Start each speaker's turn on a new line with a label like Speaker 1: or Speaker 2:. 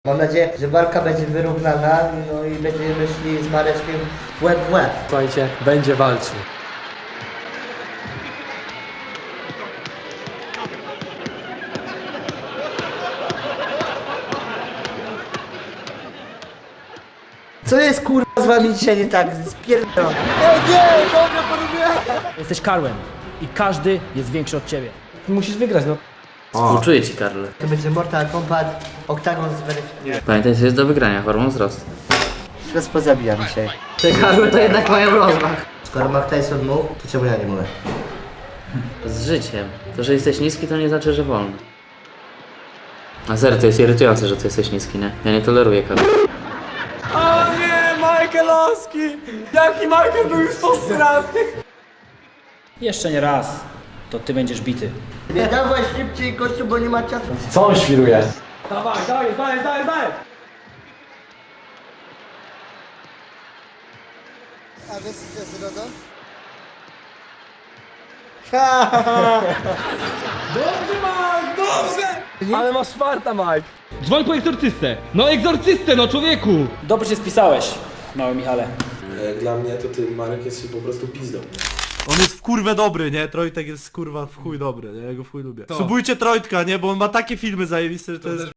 Speaker 1: Mam nadzieję, że walka będzie wyrównana, no i będziemy szli z Mareczkiem w łeb w łeb.
Speaker 2: Słuchajcie, będzie walczył.
Speaker 1: Co jest kurwa z wami dzisiaj nie tak? Spierdolę.
Speaker 3: Jesteś Karłem i każdy jest większy od ciebie.
Speaker 2: Musisz wygrać, no.
Speaker 4: Współczuję ci, Karle.
Speaker 1: To będzie Mortal Kombat, Octagon zweryfikuje.
Speaker 4: Pamiętaj, co jest do wygrania, hormon wzrostu.
Speaker 1: Teraz pozabijam dzisiaj.
Speaker 4: Te Karle to jednak mają rozmach.
Speaker 1: Skoro Mark Tyson mógł, to czemu ja nie mogę?
Speaker 4: Z życiem. To, że jesteś niski, to nie znaczy, że wolno. A serio, to jest irytujące, że ty jesteś niski, nie? Ja nie toleruję Karle.
Speaker 2: O nie, Michaelowski! Jaki Michael był już posrany!
Speaker 3: Jeszcze nie raz, to ty będziesz bity.
Speaker 1: Nie dawaj szybciej gościu, bo nie ma czasu.
Speaker 2: Co on świruje?
Speaker 3: Dawaj, dawaj, dawaj, dawaj, dawaj!
Speaker 1: A wiesz co jest RODO?
Speaker 2: Dobrze, Mike, dobrze! Ale masz farta, Mike.
Speaker 5: Dzwoń po egzorcystę! No egzorcystę, no człowieku!
Speaker 3: Dobrze się spisałeś, mały Michale.
Speaker 6: Jak dla mnie to ty, Marek, jesteś po prostu pizdą.
Speaker 7: On jest w kurwę dobry, nie? Trojtek jest kurwa w chuj dobry, nie? Ja go w chuj lubię. Subujcie Trojtka, nie? Bo on ma takie filmy zajebiste, że to jest...